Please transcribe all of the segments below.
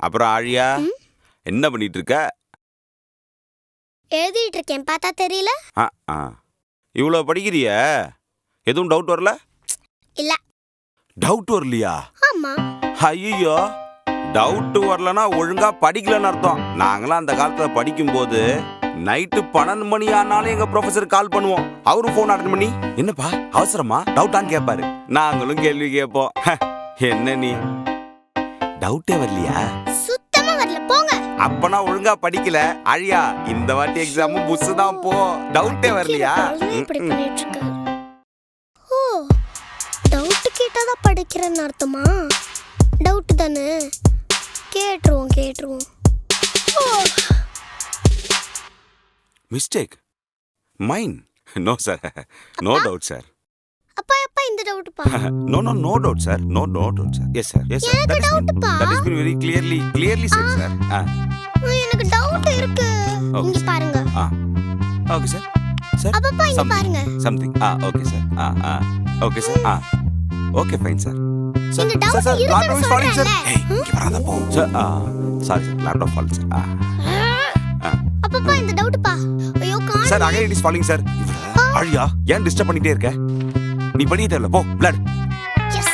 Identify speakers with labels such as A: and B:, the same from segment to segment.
A: அப்புறம் ஆழியா என்ன பண்ணிட்டு இருக்க?
B: எழுதிட்டு இருக்கேன், பார்த்தா தெரியல?
A: இவ்வளோ படிக்கிறிய, எதுவும் டவுட் வரல?
B: இல்ல.
A: டவுட் வரலையா?
B: ஆமா.
A: ஐயோ, டவுட் வரலன்னா ஒழுங்கா படிக்கலன்னு அர்த்தம். நாங்களாம் அந்த காலத்துல படிக்கும் போது நைட்டு 12 மணி ஆனாலும் எங்க ப்ரொஃபசர் கால் பண்ணுவோம். அவரும் போன் அட்டன் பண்ணி என்னப்பா அவசரமா டவுட்டான்னு கேட்பாரு. நாங்களும் கேள்வி கேட்போம். என்ன நீ டவுட்டே வரலையா?
B: சுத்தமா வரல, போங்க.
A: அப்பனா ஒழுங்கா படிக்கல. அழியா, இந்த வாட்டி எக்ஸாமும் புஸ் தான் போ. டவுட்டே வரலையா?
B: இப்படி பண்ணிட்டு இருக்காரு. ஓ, டவுட் கேட்டாதான் படிக்கிறேன்னு அர்த்தமா? டவுட் தானே, கேட்டுருவோம்.
A: Mistake mine. No sir, no doubt sir.
B: அப்பா இந்த டவுட் பா.
A: No doubt sir, no doubt sir. Yes sir.
B: எனக்கு டவுட் பா.
A: That has been very clearly said sir.
B: எனக்கு டவுட் இருக்கு. இங்க பாருங்க.
A: Okay sir. Sir.
B: அப்பா இங்க பாருங்க.
A: Something. Okay sir. Okay sir. Okay fine sir. Sir,
B: இந்த doubt
A: sir, laptop is falling sir.
B: சொல்றேன்ல.
A: Hey, இங்க வராத போ. Sir, sorry sir, laptop falling sir.
B: அப்பா இந்த டவுட் பா. ஐயோ காணோம்.
A: Sir, again it is falling sir. அழியா, ஏன் டிஸ்டர்ப் பண்ணிட்டே இருக்க? நீ படிக்க தேவையில்ல, போ. blood.
B: Yes.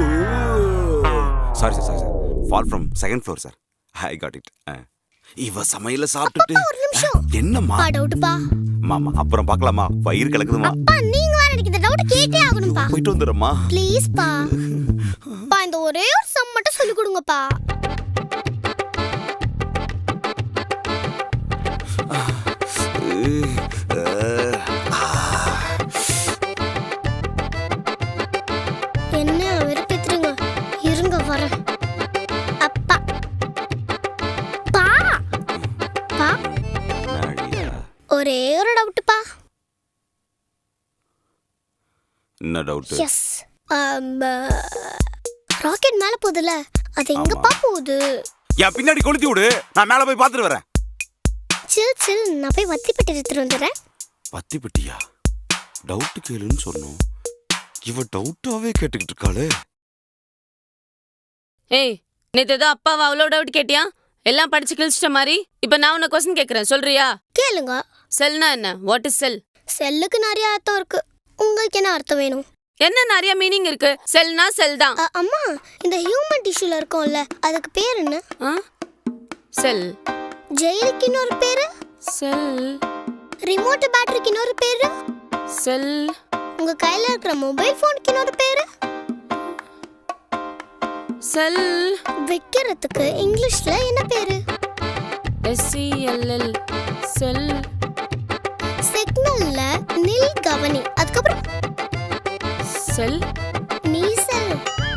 A: Sorry sir. Fall from second floor sir. I got it. இவ சமையல சாப்பிட்டுட்டு
B: ஒரு நிமிஷம்.
A: என்னம்மா?
B: டவுட் பா.
A: மாமா அப்புறம் பார்க்கலாமா? வயிறு கலக்குதுமா.
B: அப்பா நீங்க வேற எனக்கு இந்த டவுட் கேட்டே ஆகணும் பா.
A: போயிட்டு வந்துறேம்மா.
B: ப்ளீஸ் பா. இந்த ஒரே ஒரு சம் மட்டும் சொல்லி கொடுங்கப்பா. என்ன வெறுப்பேத்துறீங்க? இருங்க வரேன். அப்பா பா பா ஒரே ஒரு டவுட் பா.
A: என்ன டவுட்?
B: எஸ், ராக்கெட் மேல போகுதுல, அது எங்கப்பா போகுது?
A: என் பின்னாடி கொளுத்தி விடு, நான் மேல போய் பார்த்துட்டு வரேன்.
B: சில் நான் போய் வத்தி பெட்டி எடுத்துட்டு வந்துடுறேன்.
A: வத்தி பெட்டியா? டவுட் கேளுன்னு சொன்னோம், இவ டவுட்டாவே கேட்டுக்கிட்டு இருக்காளே.
C: ஏய், நேத்து ஏதோ அப்பாவை அவ்வளோ டவுட் கேட்டியா? எல்லாம் படிச்சு கிழிச்சிட்ட மாதிரி. இப்ப நான் உன்னை கொஸ்டின் கேட்கறேன், சொல்றியா?
B: கேளுங்க.
C: செல்னா என்ன? What is cell?
B: செல்லுக்கு நிறைய அர்த்தம் இருக்கு. உங்களுக்கு என்ன அர்த்தம் வேணும்?
C: என்ன நிறைய மீனிங் இருக்கு. செல்னா செல் தான்.
B: அம்மா, இந்த ஹியூமன் டிஷ்யூல இருக்கும்ல, அதுக்கு பேர் என்ன?
C: செல்.
B: ஜெயிலுக்கு இன்னொரு பேரு?
C: செல்.
B: ரிமோட் பேட்டரிக்கு இன்னொரு பேரு?
C: செல்.
B: உங்க கையில இருக்கிற மொபைல் போனுக்கு இன்னொரு பேரு?
C: செல்.
B: வைக்கிறதுக்கு இங்கிலீஷ்ல என்ன பேரு?
C: SELL. செல்.
B: சிக்னல்ல நில் கவனி, அதுக்கப்புறம்
C: செல்.
B: நீ செல்.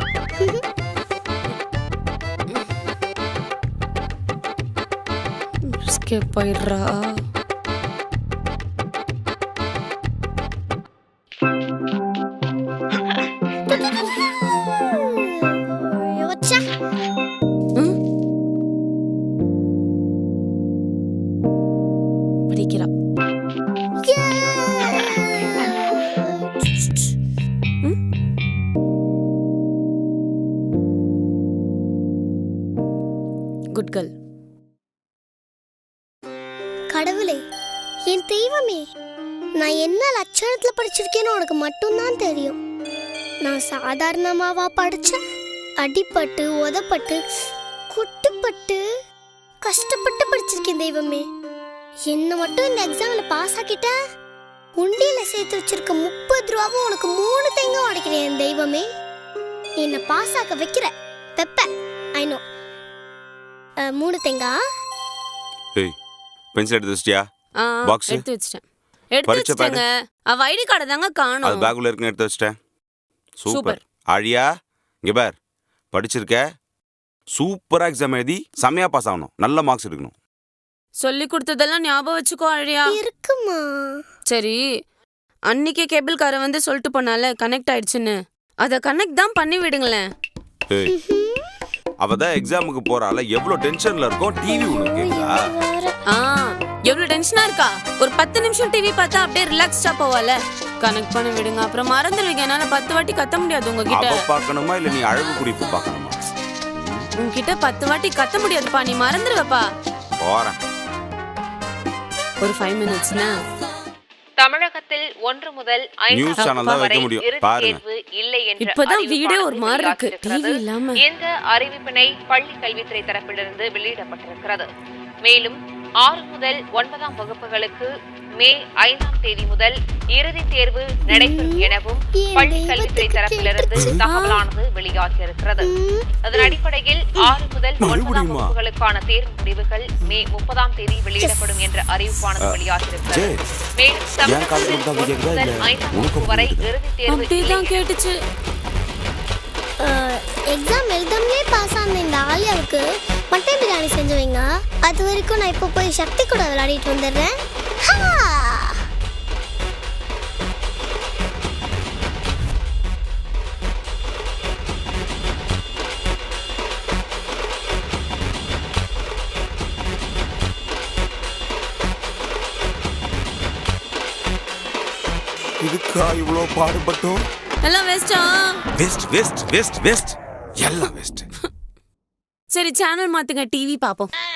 C: ஸ்கிப் போயிடுறா. படிக்கிறா. Good girl.
B: கடவுளே, என் தெய்வமே, நான் என்ன லட்சணத்துல படிச்சிருக்கேன்னு உனக்கு மட்டும்தான் தெரியும். நான் சாதாரணமாவா படிச்சேன்? அடிப்பட்டு, உதப்பட்டு, குட்டுப்பட்டு, கஷ்டப்பட்டு படிச்சிருக்கேன் தெய்வமே. என்ன மட்டும் இந்த எக்ஸாம்ல பாஸ் ஆக்கிட்ட, உண்டியில சேர்த்து வச்சிருக்க 30 ரூபாவும் உனக்கு 3 தேங்காய் உடைக்கிறேன் என் தெய்வமே. என்ன பாஸ் ஆக்க வைக்கிற பெப்ப. I know. 3 தேங்காய்.
A: ஏய், பென்சில் எடுத்து வச்சிட்டியா? பாக்ஸ்
C: எடுத்து வச்சிட்டேன். எடுத்து வச்சிட்டேங்க. அவ ஐடி கார்டு தாங்க காணோம்.
A: அது பேக்குள்ள இருக்குன்னு எடுத்து வச்சிட்டேன். சூப்பர். ஆழியா, இங்க பார், படிச்சிருக்க, சூப்பரா எக்ஸாம் எழுதி செமையா பாஸ் ஆகணும், நல்ல மார்க்ஸ் எடுக்கணும்.
C: சொல்லி கொடுத்ததெல்லாம் ஞாபகம் வச்சுக்கோ அழியா.
B: இருக்குமா?
C: சரி, அன்னைக்கே கேபிள் காரை வந்து சொல்லிட்டு போனால கனெக்ட் ஆயிடுச்சுன்னு, அத கனெக்ட் தான் பண்ணி விடுங்களேன்.
A: ஏய், அவதான் எக்ஸாமுக்கு போறால, எவ்வளவு டென்ஷன்ல இருக்கும். டிவி உனக்கு கேக்குதா?
C: எவ்வளவு டென்ஷனா இருக்கா? ஒரு 10 நிமிஷம் டிவி பார்த்தா அப்படியே ரிலாக்ஸ்டா போவால. கனெக்ட் பண்ணி விடுங்க, அப்புறம் மறந்துடுவீங்க. என்னால 10 வாட்டி கத்த முடியாது உங்ககிட்ட.
A: அவ பார்க்கணுமா இல்ல நீ அழகு குறிப்பு பார்க்கணுமா?
C: உன்கிட்ட 10 வாட்டி கத்த முடியாதுப்பா, நீ மறந்துடுவப்பா.
A: போறேன்.
C: ஒரு 5 மினிட்ஸ்னா
D: தமிழகத்தில் 1 முதல் 5
A: நியூஸ் சேனல் தான் வைக்க முடியும். பாருங்க.
D: தேர்வு இல்லை என்ற
C: இப்பதான்
D: அறிவிப்பானது
C: வீடே ஒரு மாதிரி இருக்கு,
D: வெளியாகியிருக்கிறது.
C: டிவி இல்லாம.
D: இந்த அறிவிப்பினை பள்ளி கல்வித்துறை தரப்பிலிருந்து வெளியிடப்பட்டிருக்கிறது. மேலும் 6 முதல் 9ஆம் வகுப்புகளுக்கு மே 5ஆம் தேதி முதல் இறுதித் தேர்வு நடைபெறும் எனவும் பள்ளி கல்வித்துறை தரப்பிலிருந்து தகவலானது வெளியாகியிருக்கிறது. அதன் அடிப்படையில் 6 முதல் 9ஆம் வகுப்புகளுக்கான தேர்வு முடிவுகள் மே 30ஆம் தேதி வெளியிடப்படும் என்ற அறிவிப்பானது வெளியாகியிருக்கிறது. மேலும் தமிழகத்தில் 1 முதல் 5ஆம் வகுப்பு வரை இறுதித் தேர்வு
C: அப்படிதான் கேட்டுச்சு.
B: எக்ஸாம் எழுதாமலே பாஸ் ஆன இந்த ஆலியாவுக்கு மட்டன் பிரியாணி செஞ்சு வைங்க. அது வரைக்கும் நான் இப்போ போய் சக்தி கூட விளையாடிட்டு வந்துடுறேன்.
A: இதுக்கா இவ்வளோ பாடுபட்டோம்?
C: எல்லாம் வேஸ்டா?
A: வெஸ்ட் வெஸ்ட் வெஸ்ட் வெஸ்ட் எல்லாம் வெஸ்ட்.
C: சரி, சேனல் மாத்துங்க, டிவி பாப்போம்.